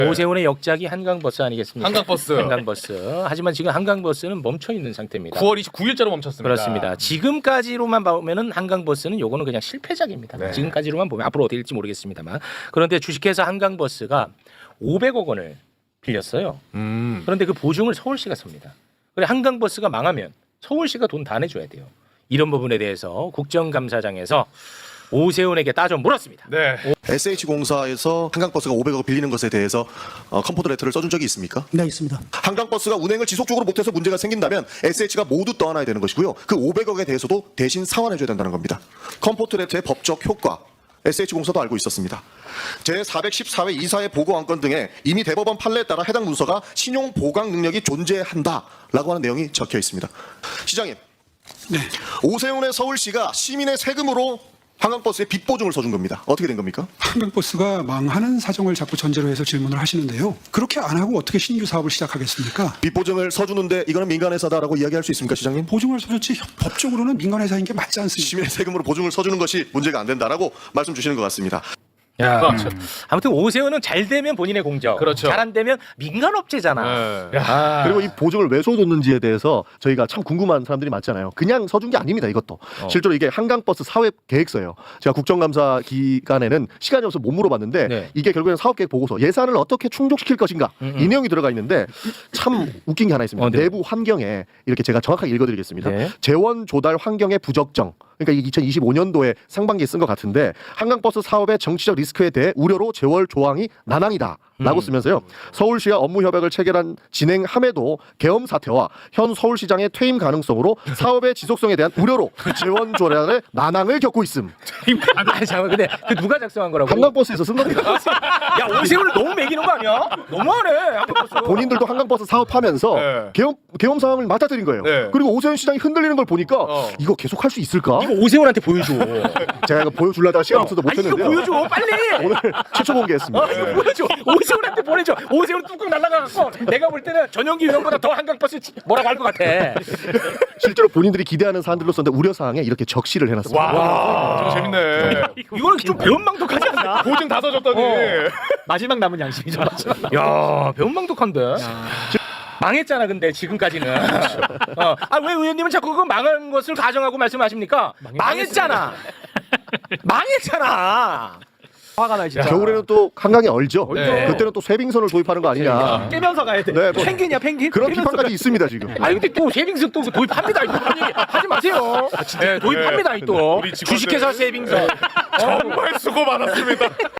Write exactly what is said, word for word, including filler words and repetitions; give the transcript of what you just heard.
오세훈의 역작이 한강버스 아니겠습니까? 한강버스. 한강버스. 하지만 지금 한강버스는 멈춰 있는 상태입니다. 구월 이십구일자로 멈췄습니다. 그렇습니다. 지금까지로만 보면은 한강버스는 요거는 그냥 실패작입니다. 네. 지금까지로만 보면 앞으로 어떻게 될지 모르겠습니다만. 그런데 주식회사 한강버스가 오백억 원을 빌렸어요. 음. 그런데 그 보증을 서울시가 섭니다. 그래 한강버스가 망하면 서울시가 돈 다 내줘야 돼요. 이런 부분에 대해서 국정감사장에서 오세훈에게 따져 물었습니다. 네. 에스에이치공사에서 한강버스가 오백억 빌리는 것에 대해서 어, 컴포트 레터를 써준 적이 있습니까? 네, 있습니다. 한강버스가 운행을 지속적으로 못해서 문제가 생긴다면 에스에이치가 모두 떠안아야 되는 것이고요. 그 오백억에 대해서도 대신 상환해줘야 된다는 겁니다. 컴포트 레터의 법적 효과, 에스에이치공사도 알고 있었습니다. 제사백십사 회 이사회 보고 안건 등에 이미 대법원 판례에 따라 해당 문서가 신용 보강 능력이 존재한다라고 하는 내용이 적혀 있습니다. 시장님, 네. 오세훈의 서울시가 시민의 세금으로 한강버스에 빚 보증을 써준 겁니다. 어떻게 된 겁니까? 한강버스가 망하는 사정을 자꾸 전제로 해서 질문을 하시는데요. 그렇게 안 하고 어떻게 신규 사업을 시작하겠습니까? 빚 보증을 서주는데 이거는 민간회사다라고 이야기할 수 있습니까, 시장님? 보증을 서줬지 법적으로는 민간회사인 게 맞지 않습니까? 시민의 세금으로 보증을 서주는 것이 문제가 안 된다라고 말씀 주시는 것 같습니다. 야, 아무튼 오세훈은 잘 되면 본인의 공적, 그렇죠. 잘 안 되면 민간업체잖아. 네. 아. 그리고 이 보증을 왜 서줬는지에 대해서 저희가 참 궁금한 사람들이 많잖아요. 그냥 서준 게 아닙니다. 이것도 어. 실제로 이게 한강버스 사업 계획서예요. 제가 국정감사 기간에는 시간이 없어서 못 물어봤는데 네. 이게 결국에는 사업계획 보고서 예산을 어떻게 충족시킬 것인가 음, 음. 이 내용이 들어가 있는데 참 웃긴 게 하나 있습니다. 어, 네. 내부 환경에 이렇게 제가 정확하게 읽어드리겠습니다. 네. 재원 조달 환경의 부적정. 그러니까 이게 이천이십오 년도에 상반기에 쓴 것 같은데 한강버스 사업의 정치적 리스크에 대해 우려로 재원 조항이 난항이다. 라고 음. 쓰면서요. 서울시와 업무 협약을 체결한 진행함에도 계엄 사태와 현 서울시장의 퇴임 가능성으로 사업의 지속성에 대한 우려로 재원 조달에 난항을 겪고 있음. 아니 잠깐 근데 그 누가 작성한 거라고? 한강버스에서 쓴 겁니다. 야 오세훈을 너무 매기는 거 아니야? 너무하네. 한강버스. 본인들도 한강버스 사업하면서 네. 계엄, 계엄 상황을 맞닥뜨린 거예요. 네. 그리고 오세훈 시장이 흔들리는 걸 보니까 어. 이거 계속 할 수 있을까? 이거 오세훈한테 보여줘. 제가 이거 보여주려다가 시간 없어서 아 이거 못했는데요. 보여줘 빨리. 오늘 최초 공개했습니다. 어, 이거 보여줘. 오세훈한테 보내줘. 오세훈 뚝뚝 날아가갖고 내가 볼 때는 전용기 의원보다 더 한강버스 뭐라고 할 것 같아. 실제로 본인들이 기대하는 사안들로 썼는데 우려 사항에 이렇게 적시를 해놨습니다. 와, 저 재밌네. 이거는 좀 배은망덕하지 않나? 보증 다 써줬더니. 마지막 남은 양심이죠. 야 배은망덕한데. 망했잖아 근데 지금까지는. 어. 아왜 의원님은 자꾸 그 망한 것을 가정하고 말씀하십니까? 망했잖아. 망했잖아. 화가 나 진짜. 겨울에는 또 한강이 얼죠. 네. 그때는 또 쇠빙선을 도입하는 거 아니냐. 깨면서 가야 돼. 네, 뭐 펭귄이야 펭귄. 그런 깨면서 비판까지 있습니다 지금. 아니 근데 또 세빙선 또 도입합니다. 이거 아니, 하지 마세요. 네, 도입합니다 이 또. 우리 직원들. 주식회사 세빙선. 정말 수고 많았습니다.